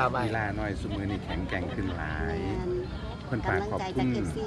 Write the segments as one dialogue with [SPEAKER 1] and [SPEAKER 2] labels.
[SPEAKER 1] อีลาน้อยซุมือนี่แข็งแกร่งขึ้นหลายเพิ่นฝากขอบคุณ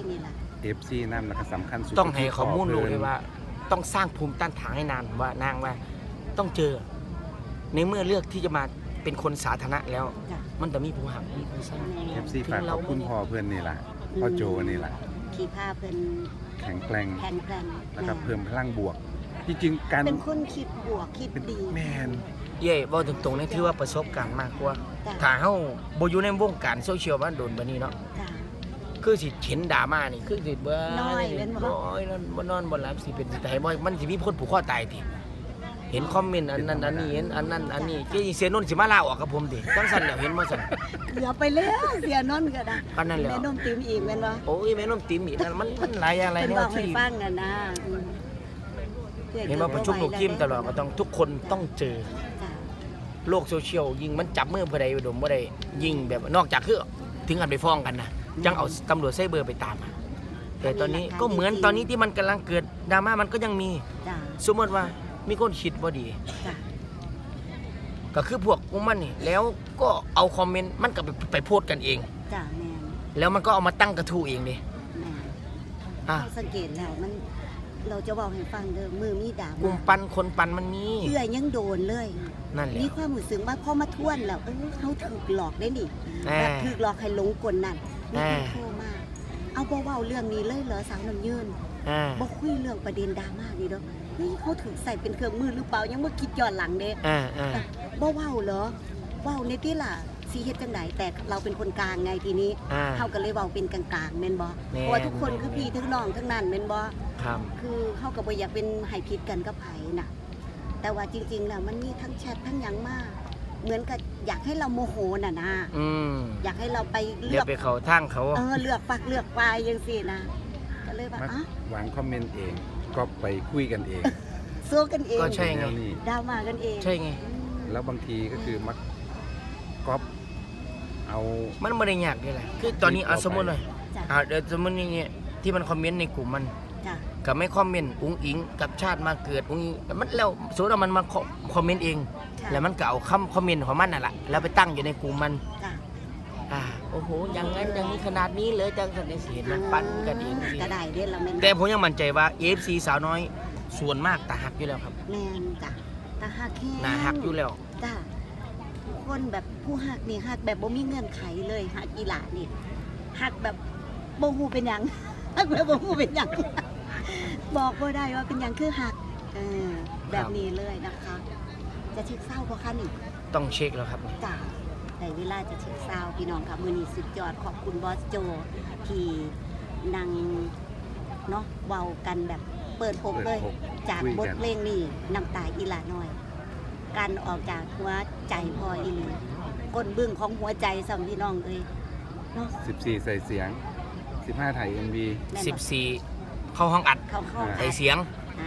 [SPEAKER 1] FC นำแล้วก็สำคัญสุด
[SPEAKER 2] ต้องให้ข้อมูลรู้เลยว่าต้องสร้างภูมิต้านทานให้นานว่านางว่าต้องเจอในเมื่อเลือกที่จะมาเป็นคนสาธารณะแล้วมันจะมีผู้หักมีผู้สร้าง
[SPEAKER 1] FC ฝากขอบคุณพ่อเพื่อนนี่ล่ะพ่อโจนี่ล่ะ
[SPEAKER 3] ขี่ผ้าเพิ่น
[SPEAKER 1] แข็งแกร่งแล้วก็เพิ่มพลังบวกจริงๆการ
[SPEAKER 3] เป็นคนคิดบวกคิดดี
[SPEAKER 1] แมน
[SPEAKER 2] เย่บอกตรงๆนี่ถือว่าประสบการณ์มากกว่าถ้าเฮาบ่อยู่ในวงการโซเชียลบ้านโดนบัดนี้เนาะคือสิเห็นดราม่านี่คือสิเบิ่น้อยบ่นอนบ่หลับสิเป็นสิตายบ่มันสิมีคนผูกคอตายติเห็นคอมเมนต์อันนั้นอันนี้เห็นอันนั้นอันนี้เจ๊เสียนนท์สิมาลาออกกับผมติจังซั่นแล้วเห็นบ่ซั่น
[SPEAKER 3] เกือบไปแล้วเสียนนท์ก็ได้
[SPEAKER 2] ปานนั้นแล้ว
[SPEAKER 3] แม่นมติ๋มอีกแม่นบ่
[SPEAKER 2] โอ้ยแม่นมติ๋มอีกมันหลายอย่างหลายแนวที่
[SPEAKER 3] ฟังกันนะ
[SPEAKER 2] เห็นว่าประชุมลูกทีมตลอดก็ต้องทุกคนต้องเจอโลกโซเชียลยิ่งมันจับมือผู้ใดอุดมบ่ได้ยิ่งแบบนอกจากคือถึงกันไปฟ้องกันนะจังเอาตำรวจไซเบอร์ไปตามแต่ตอนนี้ก็เหมือนตอนนี้ที่มันกำลังเกิดดราม่ามันก็ยังมีสมมติว่ามีคนคิดบ่ดีก็คือพวกพวกมันนี่แล้วก็เอาคอมเมนต์มันก็ไปโพสต์กันเองแล้วมันก็เอามาตั้งกระทู้เองดิ
[SPEAKER 3] สังเกตแล้วมันเราจะบอกให้ฟังเด้อมือมีด่าก
[SPEAKER 2] ลุ่มปันคนปันมันมี
[SPEAKER 3] เอื้อยังโดนเลย
[SPEAKER 2] นั่นแหละ
[SPEAKER 3] มีความรู้สึกว่าพอมาท่วนแล้วเขาถูกหลอกได้นี่แบบถูกหลอกให้หลงกลนั่นมีคนโทรมาเอาบ่เว้าเรื่องนี้เลยเหรอสาวน้ำยืนบ่คุยเรื่องประเด็นดราม่านี่เด้อเขาถูกใส่เป็นเครื่องมือหรือเปล่ายังเมื่อคิดย้อนหลังเด้บ่เว้าเหรอเว้าในที่ล่ะสิเฮ็ดจังไดแต่เราเป็นคนกลางไงทีนี้เฮาก็เลยเว้าเป็นกลางๆแม่นบ่เพราะว่าทุกคนคือพี่ทั้งน้องทั้งนั้นแม่นบ่คือเฮาก็บ่อยากเป็นให้ผิดกันกับไผน่ะแต่ว่าจริงๆแล้วมันมีทั้งแชททั้งหยังมาเหมือนกับอยากให้เราโมโหน่ะนะอยากให้เราไป
[SPEAKER 2] เลือกไปเขาทางเขา
[SPEAKER 3] เลือกปักเลือกปลายจังซี่นะก็เลยว่
[SPEAKER 1] าวางคอมเมนต์เองก็ไปคุยกันเอง
[SPEAKER 3] สู้กันเอง
[SPEAKER 2] ก็ใช่ไง
[SPEAKER 3] ดราม่ากันเอง
[SPEAKER 2] ใช่ไง
[SPEAKER 1] แล้วบางทีก็คือมักก๊อปเอา
[SPEAKER 2] มันไม่ได้ยากนี่แหละคือตอนนี้สมมติเลยเดี๋ยวสมมติอย่างเงี้ยที่มันคอมเมนต์ในกลุ่มมันกับไม่คอมเมนต์อุ้งอิงกับชาติมาเกิดอุ้งอิงมันแล้วสมมติว่ามันมาคอมเมนต์เองแล้วมันก็เอาคอมเมนต์ของมันน่ะแหละแล้วไปตั้งอยู่ในกลุ่มมันโอ้โหอย่างนั้นอย่างนี้ขนาดนี้เลยจังสันนิษฐานมันปั้นกันเอง
[SPEAKER 3] ก็ได้เด้เรา
[SPEAKER 2] แต่ผมยังมั่นใจว่า FC สาวน้อยส่วนมากตาหักอยู่แล้วครับ
[SPEAKER 3] แม่นจ้ะตาหักแค่
[SPEAKER 2] น่าหักอยู่แล้ว
[SPEAKER 3] จ้ะคนแบบผู้หักนี่หักแบบบ่มีเงื่อนไขเลยหักอีหลานี่หักแบบบ่ฮู้เป็นหยังหักแบบบ่ฮู้เป็นหยังบอกบ่ได้ว่าเป็นหยังคือหักแบบนี้เลยนะคะจะเช็คเศร้าบ่คะนี่
[SPEAKER 2] ต้องเช็คแล้วครับ
[SPEAKER 3] จ้ะแต่เวลาจะเช็คเศร้าพี่น้องค่ะมื้อนี้สุดยอดขอบคุณบอสโจที่นั่งเนาะเว้ากันแบบเปิดอกเลยจากบทเพลงนี้น้ำตาอีหลาน้อยการออกจากหัวใจพออีหลีก้นบึ้งของหัวใจสำพี่น้องเลยเนาะ
[SPEAKER 1] 14ใส่เสียง15ถ่าย MV
[SPEAKER 2] 14เข้าห้องอัดใส่เสียง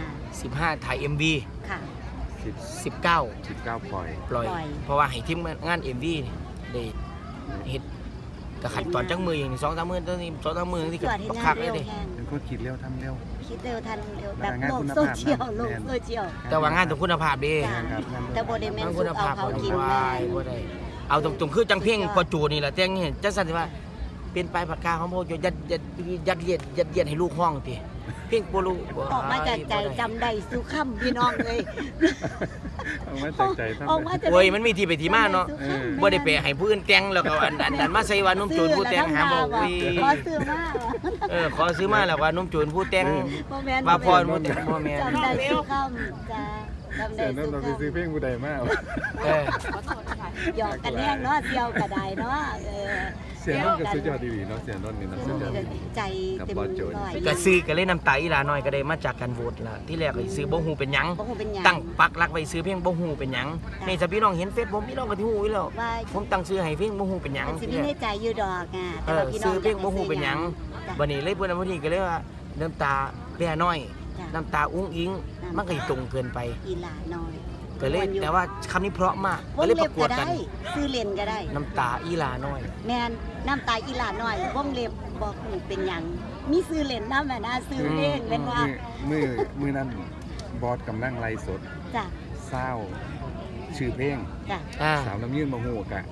[SPEAKER 2] 15ถ่าย MV
[SPEAKER 3] ค่ะ
[SPEAKER 2] 19ปล่อยเพราะว่าให้ทีมงาน MV ได้เฮ็ดกับขันตอนจังมืออย่างนี้2-3 มื้อตอนนี้2-3 มื้อที่กับคักเลยดิ
[SPEAKER 1] เป็นคนคิดเร็วทำเร็ว
[SPEAKER 3] ทันเร็วแบบโลกโซเชียล
[SPEAKER 2] แต่ว่างานต้องคุณภาพดี
[SPEAKER 3] แต่บ่ได้แม่นคุณภาพเขากินแม่
[SPEAKER 2] บ่ได้เอาตรงๆคือจังเพ่งพอจูนี่แหละแต่งเห็นจังซั่นว่าเป็นปลายปากกาของพ่อยัดเยียดให้ลูกห้องติเพ่งบ่รู้
[SPEAKER 3] ออกมาจากใจจำได้สู่ค่ำพี่น้องเลย
[SPEAKER 1] ออกมาจากใจ
[SPEAKER 2] โอ้ยมันมีที่ไปที่มาเนาะบ่ได้ไปให้ผู้อื่นแต่งแล้วก็อันนั้นมาใส่ว่านุ่มโจรผู้แต่งหาบ่
[SPEAKER 3] ขอซื้อมา
[SPEAKER 2] ขอซื้อมาแล้วว่านุ่มโจรผู้แต่งว่าพรบ่แม่น
[SPEAKER 3] จำได้สู่ค่ำจ้าจำได้
[SPEAKER 1] สู่ค่ำเราไปซื้อเพลงผู้ใดมา
[SPEAKER 3] หยอกกันแห้งเนาะเที่ยวก็ได้เนาะ
[SPEAKER 1] เสียงนนท์ก็สุดยอดดีเนาะเสียงนนท์นี่นะสุดยอด
[SPEAKER 3] ใจเต็มร้อย
[SPEAKER 2] ก็ซื้อก็เลยน้ำตาอีหลาน้อยก็ได้มาจากการโหวตล่ะที่แรกก็ซื้อบ่ฮู้เป็นหยังตั้งปักหลักไว้ซื้อเพลงบ่ฮู้เป็นหยังนี่ถ้าพี่น้องเห็นเฟซผมพี่น้องก็สิฮู้อยู่แล้วผมตั้งซื้อให้เพลงบ่ฮู้เป็นหยัง
[SPEAKER 3] สิมีในใจอยู่ดอกแต่ว่าพี่น้อง
[SPEAKER 2] ซื้อเพลงบ่ฮู้เป็นหยังบัดนี้เลยเพิ่นวันนี้ก็เลยว่าน้ำตาแม่น้อยน้ำตาอุ้งอิงมันก็ตรงเกินไป
[SPEAKER 3] อีหลาน้อย
[SPEAKER 2] ก็เลยแต่ว่าคำนี้เพราะมากก็เลยประกวดกัน
[SPEAKER 3] ซื้อเล่นก็ได้
[SPEAKER 2] น้ำตาอีหลาน้อย
[SPEAKER 3] แม่นน้ำตาอีหลาน้อยวงเล็บบอกหูเป็นหยังมีซื้อเล่นน้ำนะซื้อเองเป็นว่า
[SPEAKER 1] มือนั้นบอสกำลังไล่สด
[SPEAKER 3] จ้ะ
[SPEAKER 1] เศร้าชื่อเพลง
[SPEAKER 3] จ้ะ
[SPEAKER 1] สาวน้ำยืนมาหูกะ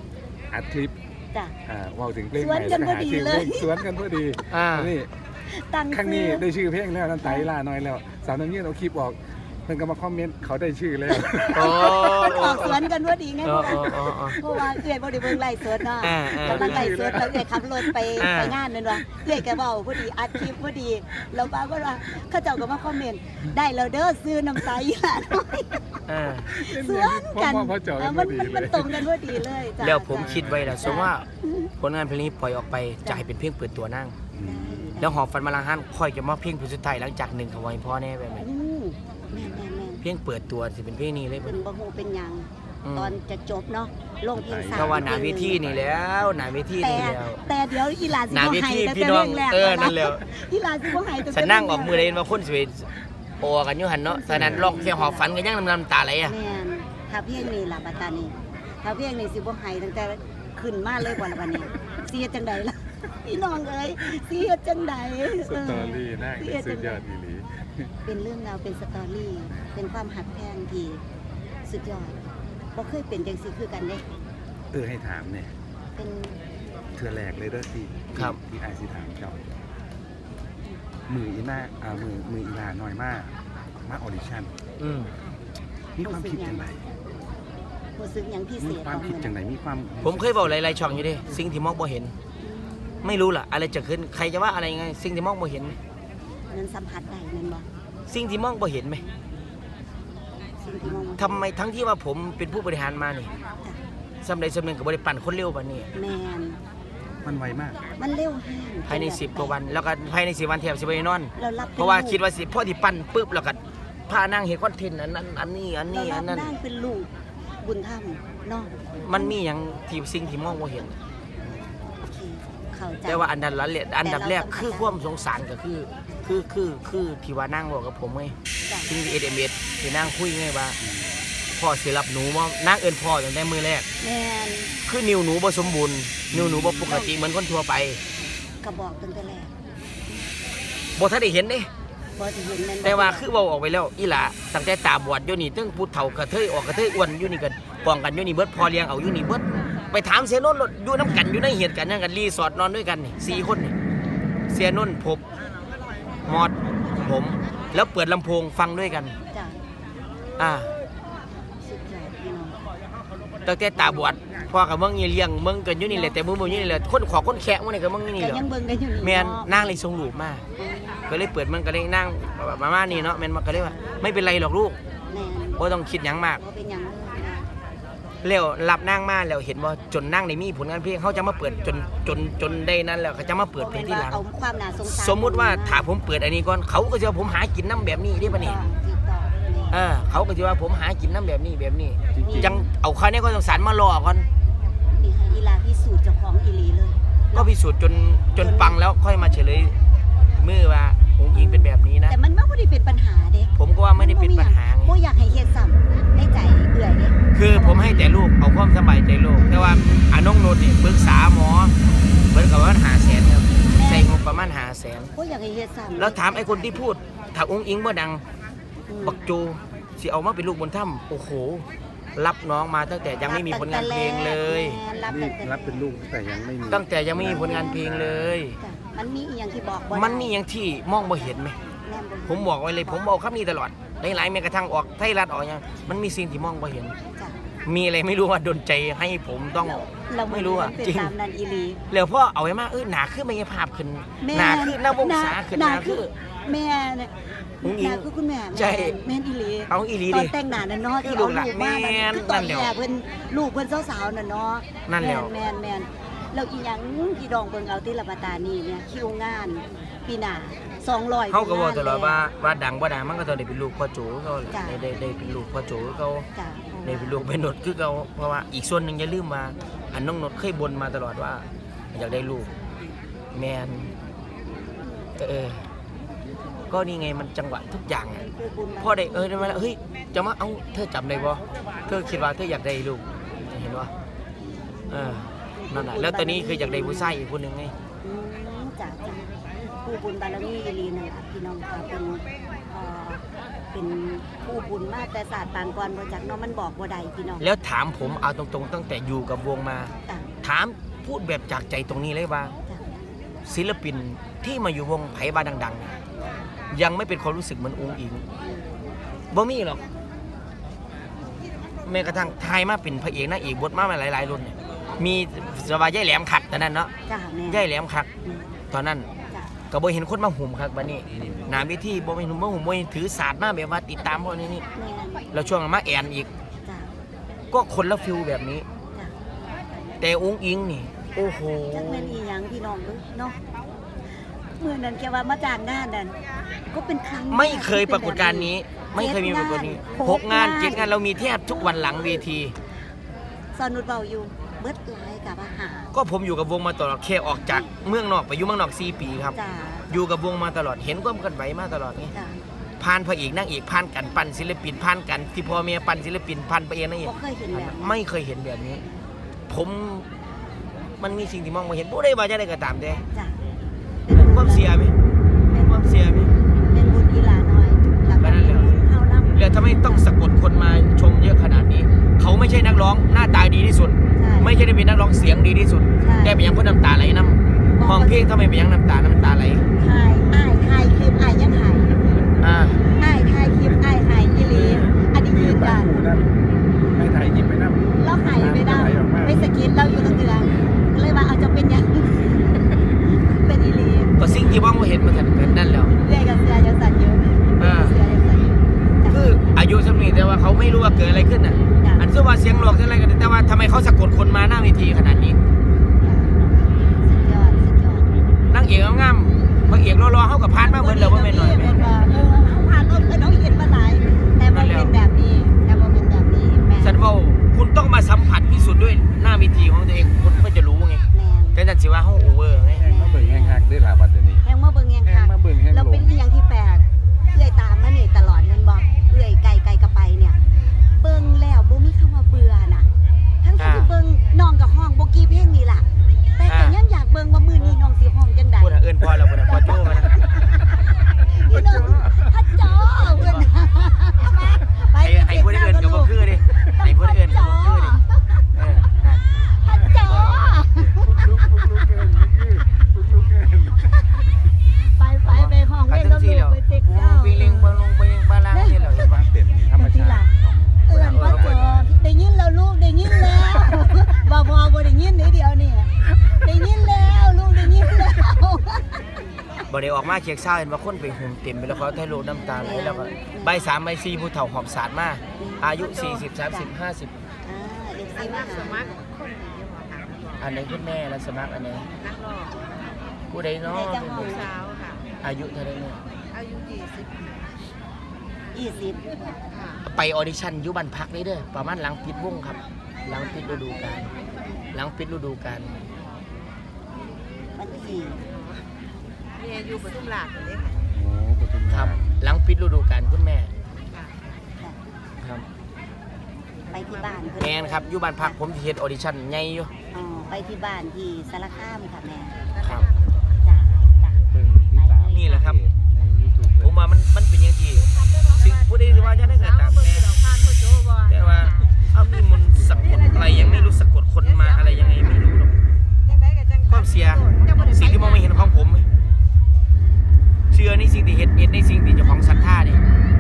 [SPEAKER 1] อัดคลิป
[SPEAKER 3] จ้ะ
[SPEAKER 1] เว้าถึงเพลง
[SPEAKER 3] ส
[SPEAKER 1] ให
[SPEAKER 3] วน
[SPEAKER 1] ม่
[SPEAKER 3] กัน
[SPEAKER 1] แล้วก็หาชื่อ
[SPEAKER 3] พอดี
[SPEAKER 1] เพ
[SPEAKER 3] เล
[SPEAKER 1] ล
[SPEAKER 3] ย
[SPEAKER 1] งสวนกันพอดี
[SPEAKER 2] อ่า
[SPEAKER 1] อันนี้
[SPEAKER 3] ตั้ง
[SPEAKER 1] ครั้ง
[SPEAKER 3] ชื่
[SPEAKER 1] นี้
[SPEAKER 3] อ
[SPEAKER 1] ได้ชื่อเพลงแล้วน้ำตาล่าน้อยแล้วสาวน้ำยืนเอาคลิปออกเพิ่นก็มาคอมเมนต์เขาได้ชื่อแล้ว
[SPEAKER 2] โอ้
[SPEAKER 3] มันออกสวนกันพอดีไง
[SPEAKER 2] อ๋
[SPEAKER 3] เพ
[SPEAKER 2] อ
[SPEAKER 3] ราะว่า
[SPEAKER 2] อ๋ออ๋อ
[SPEAKER 3] เพราะว่าเอื้อยบ่ได้เบิ่งไลฟ์สดเนาะ
[SPEAKER 2] อ่า
[SPEAKER 3] กำลังไลฟ์สดแล้วเอื้อยขับรถไป
[SPEAKER 2] อ่า
[SPEAKER 3] ไปงานนั่นว่าเอื้อยก็เว้าพอดีอัดคลิปพอดีแล้วป้าก็ว่าเขาเจ้าก็มาคอมเมนต์ได้แล้วเด้อซื้อน้ำตาอีหลาน้อย
[SPEAKER 2] อ่า
[SPEAKER 3] สวนกัน
[SPEAKER 1] พ่อเจาะ
[SPEAKER 3] เอ
[SPEAKER 1] กั
[SPEAKER 3] อน
[SPEAKER 1] พ
[SPEAKER 3] มั
[SPEAKER 1] อน ดี
[SPEAKER 3] มัน
[SPEAKER 1] เล
[SPEAKER 3] มัน
[SPEAKER 1] ย
[SPEAKER 3] ตรงกันพอดีเลยจ้ะ
[SPEAKER 2] แล้วผมคิดไว้แล้ว
[SPEAKER 3] จ้ะ
[SPEAKER 2] สมมติว่าผลงานเพลงนี้ปล่อยออกไปจะให้เป็นเพลงเปิดตัวนั่ง
[SPEAKER 3] ได้
[SPEAKER 2] แล้วหอบฝันมาลังหันค่อยจะมาเพลงเพลงสุดท้ายหลังจากหนึ่งขวายพ่อแน่แบบนี้
[SPEAKER 3] แม่น
[SPEAKER 2] เพลงเปิดตัวสิเป็นเพลงนี้เลย
[SPEAKER 3] ๆเป็นบ่ฮู้เป็นหยัง
[SPEAKER 2] อืม
[SPEAKER 3] ตอนจะจบเนาะลงเพลงสาม
[SPEAKER 2] เพราะว่าหนาเวทีนี่แล้วหนาเวที
[SPEAKER 3] แต่
[SPEAKER 2] นี่แล้ว
[SPEAKER 3] แต่เดี๋ยวอีหลาสิ
[SPEAKER 2] หนา
[SPEAKER 3] บ่
[SPEAKER 2] เว
[SPEAKER 3] ให้
[SPEAKER 2] ที
[SPEAKER 3] แต่
[SPEAKER 2] พี่น้อง
[SPEAKER 3] แรก
[SPEAKER 2] นั่นแล้ว
[SPEAKER 3] อีหลาสิบ่ให้แต่
[SPEAKER 2] ฉันนั่งออกมือเลยว่าคนสวยโอกันอยู่หันเนาะฉะนั้นร้องแค่หอบฝันกันยังน้ำตาไหลอ่ะ
[SPEAKER 3] แม่นถ้าเพลงนี้ล่ะบัดตานี้ถ้าเพลงนี้สิบ่ให้ตั้งแต่ขึ้นมาเลยบ่ล่ะบัดนี้สิเฮ็ดจังไดล่ะพี่น้องเอ้ยสิเฮ็ดจังได
[SPEAKER 1] สตอรี่น่าสุดยอดอีหลี
[SPEAKER 3] เป็นเรื่องราวเป็นสตอรี่เป็นความหักแพงที่สุดยอดบ่เคยเป็นจังซี่คือกันเด้
[SPEAKER 1] ให้ถามเนี่ย
[SPEAKER 3] เป็น
[SPEAKER 1] เทือแรกเลยเด้อที่
[SPEAKER 2] ครับ
[SPEAKER 1] ที่ไอซีถามเจ้ามืออีหน้ามืออีลาน้อยมากมาออดิชั่น
[SPEAKER 2] อืม
[SPEAKER 1] มีความคิดจังไร
[SPEAKER 3] รู้สึกหยังพิเศ
[SPEAKER 1] มี
[SPEAKER 3] ษ
[SPEAKER 1] ความคิดจังไรมีความ
[SPEAKER 2] ผมเคยบอกหลายๆช่องอยู่เดิสิ่งที่มองบ่เห็น ไม่รู้ล่ะ อะไรจะขึ้นใครจะว่าอะไรไงสิ่งที่มองบ่เห็นไหม
[SPEAKER 3] นั้นสัมผัสได้แม่นบ่
[SPEAKER 2] สิ่งที่มองบ่เห็นไหม
[SPEAKER 3] สิ่งที่มอง
[SPEAKER 2] ทำไมทั้งที่ว่าผมเป็นผู้บริหารมานี่
[SPEAKER 3] จ้ะ
[SPEAKER 2] สำใดสำหนึ่งกับบริปั่นคนเร็วปานนี้
[SPEAKER 3] แม่น
[SPEAKER 1] มันไวมาก
[SPEAKER 3] มันเร็วแห้ง
[SPEAKER 2] ภายใน10กว่าวัน แล้วก็ภายใน10วันแทบสิบ่ได้นอน
[SPEAKER 3] เรารับ
[SPEAKER 2] เพราะว่าคิดว่าสิพ่อที่ปั่นปุ๊บแล้วก็พานั่งเห็นคอนเทนต์อันนั้นอันนี้อัน
[SPEAKER 3] เรา
[SPEAKER 2] นี้
[SPEAKER 3] รั
[SPEAKER 2] อั
[SPEAKER 3] บ
[SPEAKER 2] นนั้น
[SPEAKER 3] ได้เป็นลูกบุญธรรมเนาะ
[SPEAKER 2] มันมีอย่างที่สิ่งที่มองบ่เห็น
[SPEAKER 3] โอเคเข้าใจ
[SPEAKER 2] แต่ว่าอันดับแรกคือความสงสารก็คือที่ว่านั่งบอกกับผมไง
[SPEAKER 3] จ้ะ
[SPEAKER 2] ซึ่ง SMS ที่นั่งคุยไงว่าพ่อสิรับหนูว่านั่งเอิ้นพ่อตั้งแต่มือแรก
[SPEAKER 3] แม่น
[SPEAKER 2] คือนิ้วหนูบ่สมบูรณ์นิ้วหนูบ่ปกติเหมือนคนทั่วไป
[SPEAKER 3] ก็บอกตั้งแต่แรก
[SPEAKER 2] บ่ทันได้เห็นเด้
[SPEAKER 3] บ่สิเห็นแม่นบ่
[SPEAKER 2] แต่ว่าคือเว้าออกไปแล้วอีหล่าตั้งแต่ตาบอดอยู่นี่ตั้งผู้เฒ่ากระเทยออกกระเทยอ้วนอยู่นี่ก็ป้องกันอยู่นี่เบิดพอเลี้ยงเอาอยู่นี่เบิดไปถามเสียนนท์อยู่น้ำกันอยู่ในเหตุการณ์นั้นกันรีสอร์ทนอนด้วยกันนี่4คนนี่เสียนนท์พบมอดผมแล้วเปิดลำโพงฟังด้วยกัน
[SPEAKER 3] จ้ะ
[SPEAKER 2] อ่า
[SPEAKER 3] สุดยอดพี่น้อง
[SPEAKER 2] ตั้งแต่ตาบอดพ่อกับมึงนี่เลี้ยงมึงกันอยู่นี่แหละแต่มึงอยู่นี่แหละคนขอคนแขะมึงนี่กับมึงนี่
[SPEAKER 3] ก็
[SPEAKER 2] เหรอ
[SPEAKER 3] ยังเบิ่งกันอยู่นี่
[SPEAKER 2] แม่น
[SPEAKER 3] เนาะ
[SPEAKER 2] นางเลยส่งรูปมาก็เลยเปิดมันก็เลยนั่งประมาณนี้เนาะแม่นมันก็เลยว่าไม่เป็นไรหรอกลูก
[SPEAKER 3] แม่น
[SPEAKER 2] บ่ต้องคิดหยังมาก
[SPEAKER 3] บ่เป็นหยังเลยนะ
[SPEAKER 2] แล้วรับนางมาแล้วเห็นว่าจนนางได้มีผลงานเพลงเขาจะมาเปิดจนได้นั้นแล้วเขาจะมาเปิดเพลงที่หลัง
[SPEAKER 3] เอาความน่าสงสาร
[SPEAKER 2] สมมุติว่าถ้าผมเปิดอันนี้ก่อนเขาก็จะว่าผมหากินน้ำแบบนี้ได้ปะนี่
[SPEAKER 3] ถูกต้องแม่
[SPEAKER 2] เขาก็จะว่าผมหากินน้ำแบบนี้แบบนี้
[SPEAKER 1] จริง
[SPEAKER 2] จังเอาเขาเนี่ยก็สงสารมารอก่อน
[SPEAKER 3] นี่ให้อีลาพิสูจน์เจ้าของอีหลีเลย
[SPEAKER 2] ก็พิสูจน์จนปังแล้วค่อยมาเฉลยมือว่าองค์อิงเป็นแบบนี้นะ
[SPEAKER 3] แต่มันไม่ได้เป็นปัญหาเด้
[SPEAKER 2] ผมก็ว่าไม่ได้เป็นปัญหาไง
[SPEAKER 3] บ่อยากให้เฮ็ดซ้ำในใจเอื่อยเด้
[SPEAKER 2] คือผมให้แต่ลูกเอาความสบายใจลูกแต่ว่าน้องโนดเนี่ยปรึกษาหมอเบิดกับว่า500,000ครับใช้งบประมาณ500,000
[SPEAKER 3] บ่อยากให้เฮ็ดซ้ำ
[SPEAKER 2] แล้วถามไอ้คนที่พูดถ้าองค์อิงบ่ดัง
[SPEAKER 3] อืม
[SPEAKER 2] บักโจสิเอามาเป็นลูกบนถ้ำโอ้โหรับน้องมาตั้งแต่ยังไม่มีผลงานเพลงเลย
[SPEAKER 3] แม่รับ
[SPEAKER 1] นี่
[SPEAKER 3] ตั้งแต่
[SPEAKER 1] รับเป็นลูกแต่ยังไม่มี
[SPEAKER 2] ตั้งแต่ยังไม่มีผลงานเพลงเลย
[SPEAKER 3] จ้ะมันมีอีหยังที่บอกบ่ได้
[SPEAKER 2] มันมีอย่างที่มองบ่เห็นไหม
[SPEAKER 3] แม่นบ่
[SPEAKER 2] ผมบอกไว้เลยผมบอกคำนี้ตลอดหลายๆแม้กระทั่งออกไทยรัฐออกอย่างมันมีสิ่งที่มองบ่เห็น
[SPEAKER 3] จ้ะ
[SPEAKER 2] มีอะไรไม่รู้ว่าดลใจให้ผมต้อง
[SPEAKER 3] เรา
[SPEAKER 2] ไม่รู้อะ
[SPEAKER 3] เป็น
[SPEAKER 2] จริง
[SPEAKER 3] ตามนั้นอีหลี
[SPEAKER 2] แล้วพ่อเอาไว้มาหนาขึ้นไม่ภาพขึ้น
[SPEAKER 3] แม่
[SPEAKER 2] หนาขึ้นหน้าวงศาขึ้นหนาขึ้น
[SPEAKER 3] แม่เนี่ย
[SPEAKER 2] อุ้งอิง
[SPEAKER 3] หน้าคือคุณแม่
[SPEAKER 2] ใช่
[SPEAKER 3] แม่นอีหลี
[SPEAKER 2] เอาอีหลี
[SPEAKER 3] ตอ
[SPEAKER 2] ดิ
[SPEAKER 3] นแต่งหน้าน่ะเนาะ
[SPEAKER 2] คือ
[SPEAKER 3] ที่
[SPEAKER 2] ลู
[SPEAKER 3] เอา
[SPEAKER 2] กหลาน
[SPEAKER 3] ลูกมา
[SPEAKER 2] แม่น
[SPEAKER 3] คือตอน
[SPEAKER 2] นั่นแหละ
[SPEAKER 3] แรกเพิ่นลูกเพิ่นสาวๆน่ะเนาะ
[SPEAKER 2] นั่นแหละ
[SPEAKER 3] แม่นแล้วอีหยังที่ดองเบิ่งเอาที่ละปาตานี่เนี่ยคิวงานปีหน้า200
[SPEAKER 2] เขาก็บอกตลอด
[SPEAKER 3] ก
[SPEAKER 2] ว่าดังว่าดังมันก็ต้องได้เป็นลูกพ่อโจเขา
[SPEAKER 3] จ้ะ
[SPEAKER 2] ได้เป็นลูกพ่อโจเขา
[SPEAKER 3] จ้ะ
[SPEAKER 2] ได้เป็นลูกเป็นหนดคือเขาเพราะว่าอีกส่วนหนึ่งอย่าลืมว่าอันน้องหนดเคยบ่นมาตลอดว่า อยากได้ลูกแมนก็นี่ไงมันจังหวะทุกอย่างอะพ่อได้ได้มาแล้วเฮ้ยจะมาเอาเธอจำได้บ่เธอคิดว่าเธออยากได้ลูกเห็นว่านั่นแหละแล้วตอนนี้คืออยากได้ผู้ชายอีกคนหนึ่งไง
[SPEAKER 3] อืมจ้ะผู้บุญบารมีอีหลีนั่นล่ะพี่น้องค่ะเป็นผู้บุญมาแต่ศาสตร์ปางก่อนบ่จักเนาะมันบอกบ่ได้พี่น้อง
[SPEAKER 2] แล้วถามผมเอาตรงๆตั้งแต่อยู่กับวงมา
[SPEAKER 3] จ้ะ
[SPEAKER 2] ถามพูดแบบจากใจตรงนี้เลยว่า
[SPEAKER 3] จ้ะ
[SPEAKER 2] ศิลปินที่มาอยู่วงไผ่บ้านดังๆเนี่ยยังไม่เป็นความรู้สึกเหมือนอุ้งอิงบ่มีหรอกแม้กระทั่งไทยมาเป็นพระเอกนางเอกบทมาหลายๆรุ่นเนี่ยมีสวายย่ายแหลมคักตอนนั้นเนาะ
[SPEAKER 3] จ้ะแม่
[SPEAKER 2] ย่ายแหลมคักตอนนั้น
[SPEAKER 3] จ้ะ
[SPEAKER 2] ก็บ่เห็นคนมาหุ่มคักบัดนี้หน้าเวทีบ่เห็นมาหุ่มบ่เห็นถือศาสตร์มาแบบว่าติดตามพวกนี้นี่
[SPEAKER 3] แม่
[SPEAKER 2] แล้วช่วงนั้นมาแอนอีก
[SPEAKER 3] จ้ะ
[SPEAKER 2] ก็คนละฟิลแบบนี้
[SPEAKER 3] จ้ะ
[SPEAKER 2] แต่อุ้งอิงนี่โอ้โห
[SPEAKER 3] จักแม่นอีหยังพี่น้องเด้อเนาะเมื่อนั้นแกว่ามาจ้างงานนั่นก็เป็นครั้งแรก
[SPEAKER 2] ไม่เคยปรากฏการณ์นี้ ไม่เคยมีปรากฏนี้6 งาน 7 งานเรามีแทบทุกวันหลังเวที
[SPEAKER 3] สนุดเบาอยู่เบิดหลายกับอาหาร
[SPEAKER 2] ก็ผมอยู่กับวงมาตลอดแค่ออกจากเมืองนอกไปอยู่เมืองนอก4 ปีครับ
[SPEAKER 3] จ้ะ
[SPEAKER 2] อยู่กับวงมาตลอดเห็นความเคลื่อนไหวมาตลอดไง
[SPEAKER 3] จ้ะ
[SPEAKER 2] ผ่านพระเอกนางเอกผ่านกันปั่นศิลปินผ่านกันที่พ่อแม่ปั่นศิลปินผ่านพระเอกนางเอก
[SPEAKER 3] บ่เคยเห็นแบบนี้
[SPEAKER 2] ไม่เคยเห็นแบบนี้ ผมมันมีสิ่งที่มองไม่เห็นผู้ใดว่าจะได้ก็ตามแต่
[SPEAKER 3] จ้ะ
[SPEAKER 2] ความเสียไหม
[SPEAKER 3] เป็น
[SPEAKER 2] ความเสียไหม
[SPEAKER 3] เป็นบุญกีฬาน้อยแล้วก็เป็นบุญเข้าน้ำ
[SPEAKER 2] แล้วทำไมต้องสะกดคนมาชมเยอะขนาดนี้ เขาไม่ใช่นักร้องหน้าตาดีที่สุด
[SPEAKER 3] ใช่
[SPEAKER 2] ไม่ใช่ได้เป็นนักร้องเสียงดีที่สุด
[SPEAKER 3] ใช่
[SPEAKER 2] แต่เป็นยังเพื่อน้ำตาไหลน้ำห้องเพลงทำไมเป็นยังน้ำตาไหล
[SPEAKER 3] ถ่ายอ้ายถ่ายคลิปอ้ายยังถ่าย
[SPEAKER 2] อ่า
[SPEAKER 3] อ้ายถ่ายคลิปอ้ายถ่ายอีหลีอันนี้ยืนยัน
[SPEAKER 1] ไม่ถ่ายหยิบไปนั่ง
[SPEAKER 3] เราถ่ายไม่ได้ไม่สกินเราอยู่ตรงเดือนก็เลยว่าเอาจะเป็นยังเป็นอีหลี
[SPEAKER 2] ก็สิ่งที่มองไม่เห็นมาถึงนั่นแล้ว
[SPEAKER 3] เรียกกับเสือยังสั่นเยอะ
[SPEAKER 2] อ่า
[SPEAKER 3] เสือยังสั่นเยอะจ้ะ
[SPEAKER 2] คืออายุสำนีแต่ว่าเขาไม่รู้ว่าเกิดอะไรขึ้นน่ะ
[SPEAKER 3] จ้ะ
[SPEAKER 2] อันเชื่อว่าเสียงหลอกเสียงอะไรกันแต่ว่าทำไมเขาสะกดคนมาหน้าเวทีขนาดนี้
[SPEAKER 3] สุดยอดสุดยอด
[SPEAKER 2] นางเอกงามๆพระเอกรอๆเขากับพานมาเหมือนเราว่าแม่นหน่อยไหม
[SPEAKER 3] เขาผ่านรถเคยน้องเห็นมาหลายแต่มันเป็นแบบนี้แต่มันเป็นแบบนี้แม่
[SPEAKER 2] สันว่าคุณต้องมาสัมผัสพิสูจน์ด้วยหน้าเวทีของตัวเองคุณก็จะรู้ไง
[SPEAKER 3] แม่
[SPEAKER 2] แต่นั่นสิว่าเขาโอเวอร์ไง
[SPEAKER 1] แห้งมาเบิ่งแห้งหักได้หลาบัดเดี๋ยวนี้
[SPEAKER 3] แห้งมาเบิ่งแห้ง
[SPEAKER 1] แห้ง
[SPEAKER 3] ค่ะ
[SPEAKER 1] มาเบิ่งแห้ง
[SPEAKER 3] เรา
[SPEAKER 1] หล
[SPEAKER 3] เป็น
[SPEAKER 1] ง
[SPEAKER 3] อีหยังที่แปลกเอื่อยตามมานี่ตลอดเงินบอกเอื่อยไกลกระไปเนี่ย เบิ่งแล้วบ่มีคำว่าเบื่อน่ะ ทั้งที่เบิ่งน้องกับห้องบ่กี่เพลงนี่ล่ะ แต่ก็ยังอยากเบิ่งว่ามื้อนี้น้องสิห้องจังใด
[SPEAKER 2] พูดเอินพอเราพูดพอโจ้มานะ
[SPEAKER 3] พี่น้องฮัจจอเพิ่นไป
[SPEAKER 2] ไอ้พูดเอินกับบ่คือดิไอ้พูดเอินกับบ่คือดิเออนั่น
[SPEAKER 3] ฮัจจอ
[SPEAKER 1] ลุกเกินลุกเกิน
[SPEAKER 3] ไปห้องเล่นกับลูกไปเต็กเจ้า
[SPEAKER 2] วิ่งเล่งบอลลงไปเล่งบาลางนี่เราเห็นปะ
[SPEAKER 1] เป็นธรรมชาติของ
[SPEAKER 3] เอื่อนพ่อจอได้ยินแล้วลูกได้ยินแล้วบ่พอบ่ได้ยินนิดเดียวนี่ได้ยินแล้วลูกได้ยินแล้ว
[SPEAKER 2] บ่ได้ออกมาเช็คเช้าเห็นว่าคนไปหุ่มเต็มไปแล้วเขาถ่ายรูปน้ำตาไหลแล้วก็ใบ3ใบ4ผู้เฒ่าหอบสาดมาอายุ40 30 50
[SPEAKER 3] เด็กซีมาสมัคร
[SPEAKER 2] อันไหนคุณแม่แล้วสมัครอันไหนผู้ใดเนาะ
[SPEAKER 4] สาวค่ะ
[SPEAKER 2] อายุเท่าไหร่เนี่ย
[SPEAKER 4] อายุ
[SPEAKER 3] 20
[SPEAKER 4] ค่ะ
[SPEAKER 2] ไปออดิชั่นอยู่บ้านพักนี่เด้อประมาณหลังปิดวงครับ หลังปิดฤดูกาลหลังปิดฤดูกาล
[SPEAKER 3] วันที่
[SPEAKER 4] เมียอยู่ปทุมราชเลยค่ะ
[SPEAKER 1] โอ้ปทุม
[SPEAKER 2] ค
[SPEAKER 1] รา
[SPEAKER 2] รับ
[SPEAKER 1] ช
[SPEAKER 2] หลังปิดฤดูกาลคุณแม่
[SPEAKER 4] ค่ะ
[SPEAKER 2] ครับ
[SPEAKER 3] ไปที่บ้านเพิ่
[SPEAKER 2] แมนครับอยู่บ้านพักผมสิเฮ็ดออดิชั่นใหญ่อยู่
[SPEAKER 3] อ๋อไปที่บ้านที่สารคามค่ะแม่
[SPEAKER 2] ครับ
[SPEAKER 3] จ้าจ้า
[SPEAKER 1] เบิ่งที่ตาม
[SPEAKER 2] นี่แหละครับ
[SPEAKER 1] ใน YouTube
[SPEAKER 2] ผมว่ามันเป็นอย่างที่สิ่งผู้ใดที่ว่าจะได้ก็ตาม
[SPEAKER 4] เบิ่ง
[SPEAKER 2] แต่
[SPEAKER 4] ดอกพานพ่อโจบ่
[SPEAKER 2] แต่ว่าเอามีมนต์สะกดอะไรยังไม่รู้สะกดคนมาอะไรยังไงไม่รู้หรอก
[SPEAKER 4] จังได๋ก็จัง
[SPEAKER 2] ความเสียสิ่งที่มองไม่เห็นของผมเชื่อในสิ่งที่เห็นในสิ่งที่เจ้าของศรัทธาเนี่ย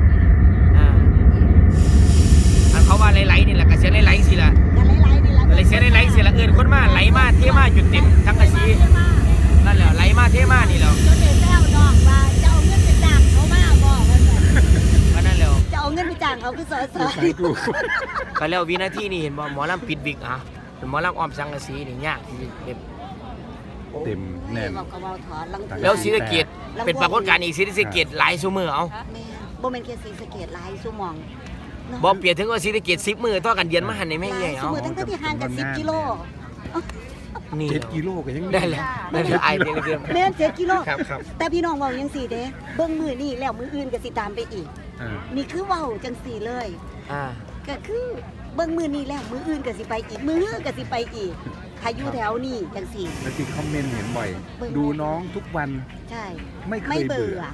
[SPEAKER 2] อันเขาว่าไหลๆนี่แหละก็เสียไหลๆสิล่ะ
[SPEAKER 3] กันไล่ๆนี่ละ
[SPEAKER 2] ไหลเสียไหลๆสิล่ะเอิ้นคนมาไหลมาเทมาจุดเต็มทั้งกะสีนั่นแหละไหลมาเทมานี่แหล้ว
[SPEAKER 3] จนเด็กแล้วน้องว่าจะเอาเงินไปจ้างเขามาบอกว่า
[SPEAKER 2] ก็นั่นแหล้ว
[SPEAKER 3] จะเอาเงินไปจ้างเขาคือเสอ
[SPEAKER 1] สายกู
[SPEAKER 2] ก็แล้ววินาทีนี้เห็นบ่หมอลำปิดวิกอ่ะหมอลำอ้อมสังกะสีนี่ยากที่แบบ
[SPEAKER 1] เต็มแน่น
[SPEAKER 3] บอกกับว่าถอนลัง
[SPEAKER 2] แล้วศรีสะเกษเป็นปรากฏการณ์อีกศรีสะเกษหลายชั่วโมงเอา
[SPEAKER 3] แม่บ่แม่นแค่ศรีสะเกษหลายชั่วโมง
[SPEAKER 2] บ่เปรียบถึงว่าศรีสะเกษ10 มื้อต่อกันเดือนมาหันนี่แม่งใหญ่
[SPEAKER 3] ชั่ว
[SPEAKER 2] เอา
[SPEAKER 3] โมงตั้งแต่ที่ห่างกัน10กิโล
[SPEAKER 2] นี่
[SPEAKER 1] 7 กิโลก็ยัง
[SPEAKER 2] ได้แหละได้แหละไอเดียเดียว
[SPEAKER 3] แม่น7กิโล
[SPEAKER 2] ครับครับ
[SPEAKER 3] แต่พี่น้องเว้าจังซี่เด้เบิ่งมื้อนี้แล้วมื้ออื่นก็สิตามไปอีก
[SPEAKER 1] อ่า
[SPEAKER 3] นี่คือเว้าจังซี่เลย
[SPEAKER 2] อ่า
[SPEAKER 3] ก็คือเบิ่งมือนี้แล้วมืออื่นก็สิไปอีกมืออื่นก็สิไปอีกใครอยู่แถวนี้จังสี่
[SPEAKER 1] แล้วที่คอมเมนต์เห็นบ่อย
[SPEAKER 3] เบิ่ง
[SPEAKER 1] ดูน้องทุกวัน
[SPEAKER 3] ใช่
[SPEAKER 1] ไม่เค
[SPEAKER 3] ไม่
[SPEAKER 1] ย
[SPEAKER 3] เบื่
[SPEAKER 1] เบื่
[SPEAKER 3] อ
[SPEAKER 1] อ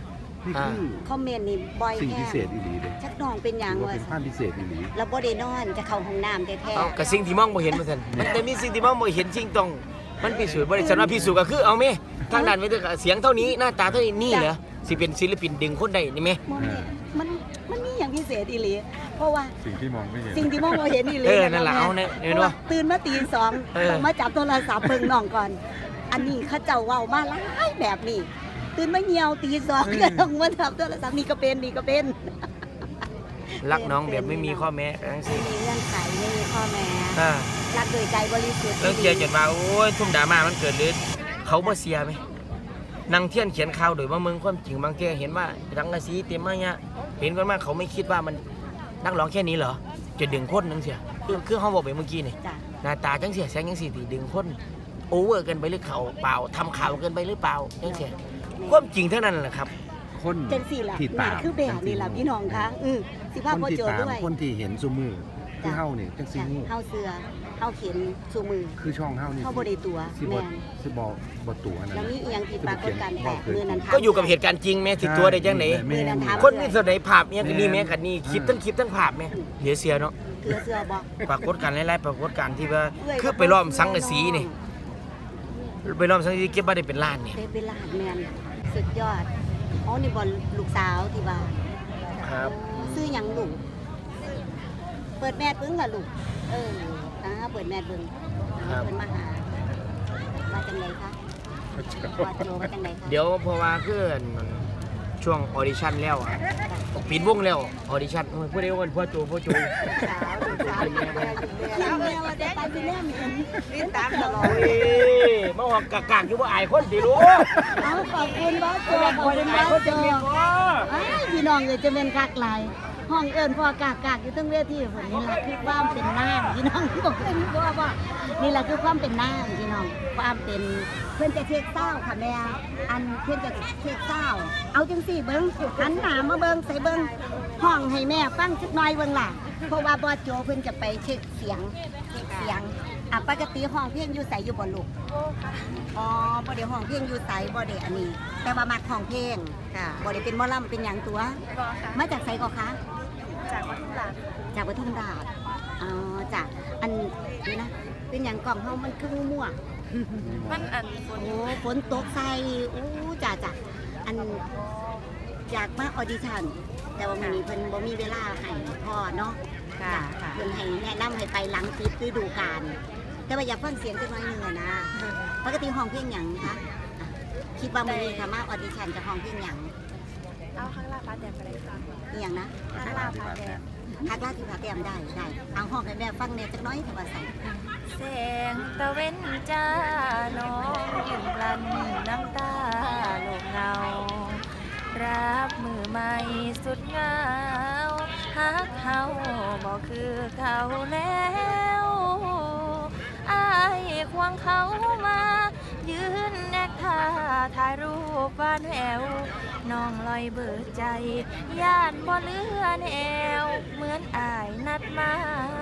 [SPEAKER 1] นี่คือ
[SPEAKER 3] คอมเมนต์นี่บ่อย
[SPEAKER 1] สิ่ง
[SPEAKER 3] แฮ
[SPEAKER 1] พิ
[SPEAKER 3] ง
[SPEAKER 1] เศษอีหลีเด้
[SPEAKER 3] จักน้องเป็นหยัง
[SPEAKER 1] ถือว่า
[SPEAKER 3] ว่า
[SPEAKER 1] เป็นความพิเศษอีหลี
[SPEAKER 3] แล้วบ่ได้นอนจะเข้าห้องน้ำแท้
[SPEAKER 2] เอากับสิ่งที่มองบ่เห็นเหมือนกันมันจะมีสิ่งที่มองบ่เห็นสิ่งต้องมันพิสูจน์บ่ได้สำหรับพิสูจน์ก็คือเอาแม่ทางด้านวิทยาเสียงเท่านี้หน้าตาเท่านี้นี่เหรอสิเป็นศิลปินดึงคนได้นี่แม่
[SPEAKER 3] ๆบ่แม่มันมีหยังพิเศษอีหลีเพราะว่า
[SPEAKER 1] สิ่งที่มองไม่เห็น
[SPEAKER 3] สิ่งที่มองบ่เห็นอีหลี
[SPEAKER 2] นั่นล่ะเอาเนี่ยเห็นบ่
[SPEAKER 3] ตื่นมาตี 2ต้องมาจับโทรศัพท์เบิ่งน้องก่อน อันนี้เขาเจ้าเว้ามาหลายแบบนี้ตื่นมาเหี่ยวตี 2ก็ต้องมาจับโทรศัพท์นี่ก็เป็น
[SPEAKER 2] รักน้องแบบไม่มีข้อแม้ทั้งสิ้น
[SPEAKER 3] มีเงื่อนไขไม่มีข้อแม้
[SPEAKER 2] อ่า
[SPEAKER 3] รักโดยใจบริสุทธิ์
[SPEAKER 2] แล้วเกียร์จนว่าโอ้ยทุ่มดราม่ามันเกิดหรือเขาบ่เสียไหมนางเทียนเขียนข่าวโดยว่าเมืองความจริงบางเทีเห็นว่าดังกะสีเต็มมาเนี่ยเห็นกันมากเขาไม่คิดว่ามันนักร้องแค่นี้เหรอจะดึงคนนึงเสียคือเขาบอกไปเมื่อกี้นี่
[SPEAKER 3] จ้ะ
[SPEAKER 2] หน้าตาจังเสียแสงจังสีตีดึงคนโอเวอร์เกินไปหรือเขาเปล่าทำข่าวเกินไปหรือเปล่าจังเสียความจริงเท่านั้นแหละครับ
[SPEAKER 1] คน
[SPEAKER 3] จังสี่ล่ะ
[SPEAKER 1] ที่
[SPEAKER 3] นี่
[SPEAKER 1] ตาม
[SPEAKER 3] คือแบบนี่ล่ะพี่น้องคะสิภาพ
[SPEAKER 1] คน
[SPEAKER 3] พ่อ
[SPEAKER 1] ที่
[SPEAKER 3] โจ
[SPEAKER 1] ตาม
[SPEAKER 3] ด้วย
[SPEAKER 1] คนที่เห็นซุมือคือ
[SPEAKER 3] จ้ะ
[SPEAKER 1] เฮานี่จังซี่
[SPEAKER 3] จ้ะ
[SPEAKER 1] ฮู้
[SPEAKER 3] เฮาเสือเฮาเขียนชูมือ
[SPEAKER 1] คือช่องเฮานี่
[SPEAKER 3] เฮาบ่ได้ตัว
[SPEAKER 1] สิบ่
[SPEAKER 3] แม่น
[SPEAKER 1] สิบ่ตัวอันนั้น
[SPEAKER 3] แล้วมีอีหยังที่ปรากฏการณ์แปลกมือนั้นถาม
[SPEAKER 2] ก็อยู่กับเหตุการณ์จริงแม่ติดตัวได้จังไหน
[SPEAKER 3] มือนั้นถาม
[SPEAKER 2] คนมีแสดงภาพเนี่ยก็นี่แม่กันนี่คลิปทั้งภาพแม่เหลือเสียเนาะ
[SPEAKER 3] เกลือเสือบ่
[SPEAKER 2] ปรากฏการณ์หลายๆปรากฏการณ์ที่ว่าคือไปล้อมสังกะสีนี่ไปล้อมสังกะสีเก็บมาได้เป็นล้านนี่
[SPEAKER 3] ได้เป็นล้านแม่นสุดยอดอ๋อนี่บ่ลูกสาวที่ว่า
[SPEAKER 2] ครับ
[SPEAKER 3] ซื้อหยังลูกเปิดแมสเบิ่งล่ะลูกเปิดแมสเบิ่งเพิ่นมาหามาจังไดคะว่าโจมาจังไดคะ
[SPEAKER 2] เดี๋ยวเพราะว่าคือช่วงออดิชั่นแล้วอะปิดวงแล้วออดิชั่นผู้ใดว่าพ่อโจ
[SPEAKER 3] สาวแม่ว่าจะไปที่แม่มีเห็น
[SPEAKER 4] ติดตามตลอด
[SPEAKER 2] โอ้ยมาหอกกากๆอยู่บ่อายคนสิรู้
[SPEAKER 3] เอาขอบคุณบอสโจขอบคุณบอสโจพี่น้องเลยจะเป็นกากหลายห้องเอิญพ่อกากอยู่ตั้งเวทีคนนี้แหละคือความเป็นน้ำพี่น้องบอกเลยว่านี่แหละคือความเป็นน้ำพี่น้องความเป็นเพื่อนจะเช็คเศร้าค่ะแม่อันเพื่อนจะเช็คเศร้าเอาจังสี่เบิ้งหันหน้ามาเบิ้งใส่เบิ้งห้องให้แม่ฟังสักหน่อยเบิ้งล่ะเพราะว่าบอสโจเพื่อนจะไปเช็คเสียงปกติห้องเพียงอยู่ใส่อยู่บนลูกอ๋อบ่ได้ห้องเพียงอยู่ใส่บ่ได้อันนี้ แต่ว่ามักห้องเพลง
[SPEAKER 4] ค่ะ
[SPEAKER 3] บ่ได้เป็นหมอลำเป็นหยังตัว
[SPEAKER 4] ก็ค่ะ
[SPEAKER 3] มาจากไสก็คะ
[SPEAKER 4] จากวัดทุ่งหลาน
[SPEAKER 3] จากปทุมราชอ๋อจากอันนี้นะ เป็นอย่างกล่องเฮามันคือมั่ว
[SPEAKER 4] มันอันฝน
[SPEAKER 3] โอ้ฝนตกใส่อู้จ้าอันจากมาออดิชั่นแต่ว่ามื้อนี้เพิ่นบ่มีเวลาให้พ่อเนาะ
[SPEAKER 4] ค่ะ
[SPEAKER 3] จ้ะ
[SPEAKER 4] ค่ะ
[SPEAKER 3] เพิ่นให้แนะนำให้ไปหลังปิดฤดูกาลแต่ว่าอยากฟังเสียงจักหน่อยหนึงอะนะปกติห้องเพลงหยังคะอ่ะคิดว่ามื้อนี้ถ้ามาออดิชั่นจะห้องเพลงหยัง
[SPEAKER 4] เอาข้างล่างฟ้าแดงไปเลยค่ะ
[SPEAKER 3] อีหยังนะ
[SPEAKER 4] ข้างล่างฟ้าแดง
[SPEAKER 3] ทักลาที่พาเตรียมได้เอาห้องให้แม่ฟังแหน่จักหน้อยถ้าว่าใส่
[SPEAKER 5] แสงตะเว้นจ้าน้องยืนกลั้นน้ำตาโลกเงา รับมือใหม่สุดเหงาฮักเขาบอกคือเขาแล้วอายควงเขามา ยืนแนกท่าถ่ายรูปบ้านแววน้องลอยเบิดใจย่านบ่เหลือแนวเหมือนอายนัดมา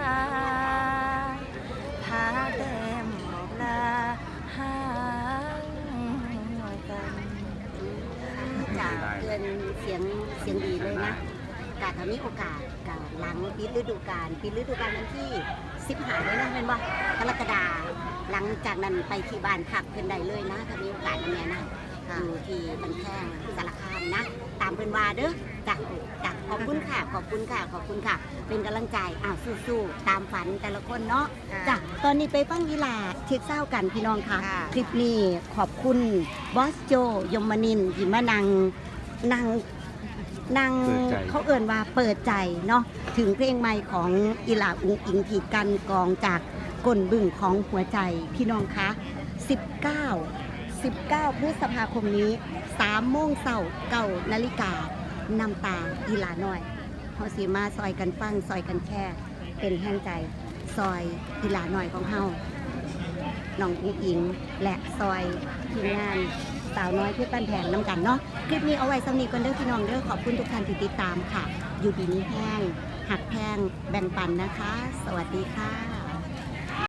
[SPEAKER 5] พาแต้มบอกลาห่างกัน
[SPEAKER 3] จากเพื่อนเสียงดีเลยนะกาถ้ามีโอกาสกาหลังปิดฤดูกาลวันที่15เลยนะเป็นว่ากรกฎาหลังจากนั้นไปที่บ้านพักเพิ่นได้เลยนะถ้ามีโอกาสนะแม่นะอยู่ที่บันแข้งสารคามนะ ตามเพิ่นว่าเด้อจ้ะขอบคุณค่ะ เป็นกำลังใจสู้ๆตามฝันแต่ละคนเนาะจ้ะตอนนี้ไปฟังวีลาเช็คเศร้ากันพี่น้องค่ะ คลิปนี้ขอบคุณบอสโจยมนินทร์ที่มานั่ง
[SPEAKER 1] เปิดใจ
[SPEAKER 3] เขาเอ่นว่าเปิดใจเนาะถึงเพลงใหม่ของอีหลาอุงอิงผีกันกองจากก้นบึ้งของหัวใจพี่น้องคะ19 พฤษภาคมนี้3 โมงเช้า9 นาฬิกานำตาอีหลาน้อยเฮาสิมาซอยกันฟังซอยกันแค่เป็นแห่งใจซอยอีหลาน้อยของเฮาน้องอุงอิงและซอยทีมงานสาวน้อยเพื่อปั้นแผนน้ำกันเนาะคลิปนี้เอาไว้สำนีกันเด้อพี่น้องเด้อขอบคุณทุกท่านที่ติดตามค่ะ อยู่ดีนี้แห้งหักแพงแบ่งปันนะคะ สวัสดีค่ะ